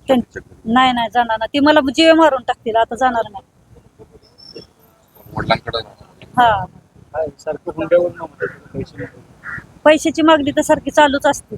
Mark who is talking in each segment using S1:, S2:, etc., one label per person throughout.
S1: नाही नाही जाणार ना, ती मला जीवे मारून टाकतील, आता जाणार नाही.
S2: वडिलांकडे
S1: हा,
S3: सारखं हुंड्यावर नव्हतं पैसे नको.
S1: पैशाची मागणी तर सारखी चालूच असते.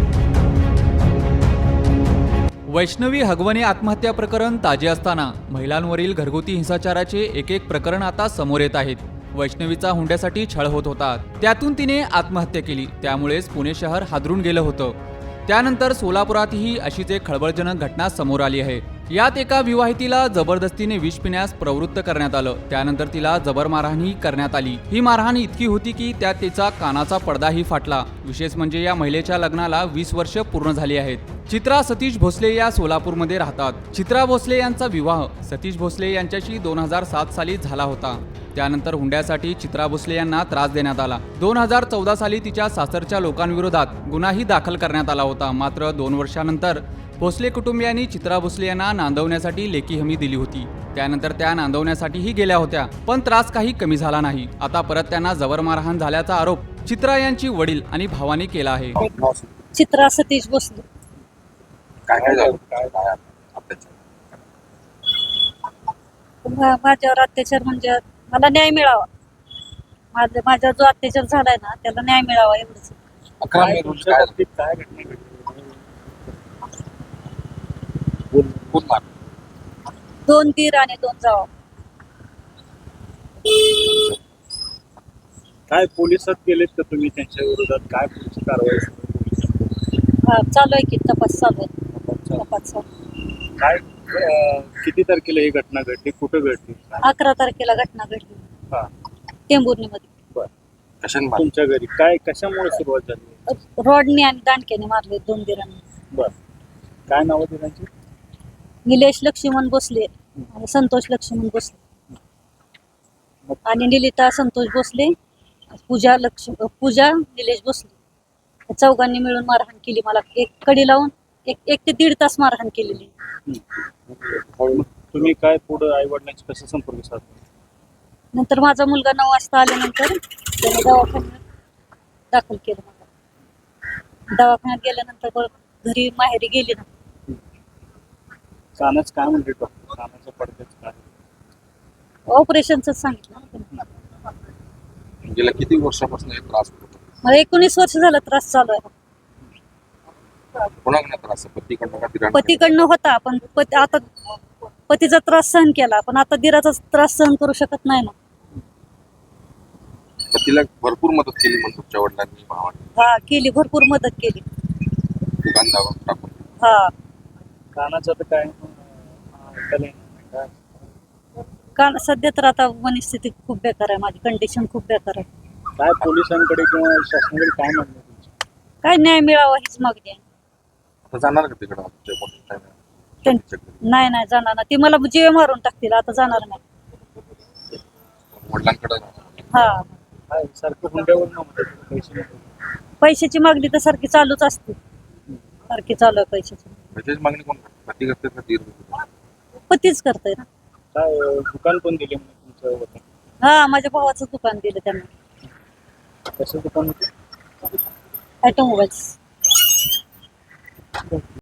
S4: वैष्णवी हगवणे आत्महत्या प्रकरण ताजे असताना महिलांवरील घरगुती हिंसाचाराचे एक एक प्रकरण आता समोर येत आहेत. वैष्णवीचा हुंड्यासाठी छळ होत होता, त्यातून तिने आत्महत्या केली. त्यामुळेच पुणे शहर हादरून गेलं होतं. त्यानंतर सोलापुरातही अशीच एक खळबळजनक घटना समोर आली आहे. यात एका विवाहितीला जबरदस्तीने विष पिण्यास प्रवृत्त करण्यात आलं. त्यानंतर तिला जबर मारहाणही करण्यात आली. ही मारहाण इतकी होती की त्यात तिचा कानाचा पडदाही फाटला. विशेष म्हणजे या महिलेच्या लग्नाला 20 वर्ष पूर्ण झाली आहेत. चित्रा सतीश भोसले या सोलापूरमध्ये राहतात. चित्रा भोसले यांचा विवाह सतीश भोसले यांच्याशी 2007 साली झाला होता. त्यानंतर हुंड्यासाठी चित्रा भोसले यांना त्रास देण्यात आला. 2014 साली तिच्या सासरच्या लोकांविरोधात गुन्हाही दाखल करण्यात आला होता. मात्र 2 वर्षानंतर भोसले कुटुंबियांनी चित्रा भोसले यांना नांदवण्यासाठी लेखी हमी दिली होती. त्यानंतर त्या नांदवण्यासाठीही गेल्या होत्या, पण त्रास काही कमी झाला नाही. आता परत त्यांना जबर मारहाण झाल्याचा आरोप चित्रा यांची वडील आणि भावाने केला आहे.
S1: चित्रा सतीश भोसले.
S2: काय झालं अत्याचार?
S1: माझ्यावर अत्याचार म्हणजे मला न्याय मिळावा. माझा जो अत्याचार झालाय ना, त्याला न्याय मिळावा एवढंच.
S2: 11 मे रोजी
S3: तुमच्या
S2: काय
S3: बाबतीत काय घटना घडली?
S2: कोण मार
S1: 2 दीर आणि 2 जावा.
S3: काय पोलिसात गेलेत का तुम्ही त्यांच्या विरोधात? काय पोलीस कारवाई सुरू
S1: हा, चालू आहे की तपास चालू आहे.
S3: आहे?
S1: तपास चालू आहे.
S3: काय किती तारखेला ही घटना घडली, कुठं घडली?
S1: 11 तारखेला घटना घडली
S3: हा,
S1: टेंभुर्णीमध्ये.
S2: कशाने मार?
S3: तुमच्या घरी काय कशामुळे सुरुवात झाली?
S1: रॉडने आणि दांडक्याने मारले 2 दिरांनी.
S3: बर, काय नाव होती त्यांची?
S1: निलेश लक्ष्मण भोसले आणि संतोष लक्ष्मण भोसले आणि निलिता संतोष भोसले, पूजा निलेश भोसले. या चौघांनी मिळून मारहाण केली. मला एक कडी लावून एक ते 1.5 तास मारहाण केलेली.
S3: मग तुम्ही काय पुढे आई वडिलांशी कसं संपर्क साधला?
S1: नंतर माझा मुलगा 9 वाजता आल्यानंतर त्याने दवाखान्यात दाखल केलं मला. दवाखान्यात गेल्यानंतर परत घरी माहेरी गेली ना.
S3: कानाच काय म्हणते डॉक्टर? कानाच्या पडद्याच काय?
S1: ऑपरेशनच सांगितलं ना त्यांनी.
S2: गेल्या किती वर्षापासून हे त्रास होत होता?
S1: मला 19 वर्ष झालं त्रास चालू आहे.
S2: कोणाकडे त्रास? पतीकडनं का दिराकडनं?
S1: पतीकडनं होता, पण आता पतीचा त्रास सहन केला, पण आता दिराचा त्रास सहन करू शकत नाही ना.
S2: पतीला भरपूर मदत केली म्हणून तुमच्या वडिलांनी भावाने
S1: हा, केली, भरपूर मदत केली.
S2: दुकानदारावर टाकून.
S1: हा,
S3: कानाचं तर काय ऐकायला येणार नाही.
S1: कारण सध्या तर आता मनस्थिती खूप बेकार आहे, माझी कंडिशन खूप बेकार आहे.
S3: काय पोलिसांकडे किंवा शासनाकडे काय म्हणणं आहे तुमचं?
S1: काय न्याय मिळावा हीच मागणी आहे.
S2: आता जाणार का तिकडं?
S1: नाही नाही जाणार ना, ती मला जीवे मारून टाकतील, आता जाणार नाही.
S2: वडिलांकडे
S1: हा,
S3: काय सारखं हुंड्यावर नव्हतं पैसे नको.
S1: पैशाची मागणी तर सारखी चालूच असते. सारखी चालू आहे पैशाची.
S2: त्याची मागणी कोण करते? पती करते का दीर करते?
S1: पतीच करतोय ना.
S3: काय दुकान पण दिले म्हणून तुमचं होतं?
S1: हा, माझ्या भावाचं दुकान दिलं त्यांना,
S3: कसं दुकान होतं?
S1: ऑटोमोबाईल्स.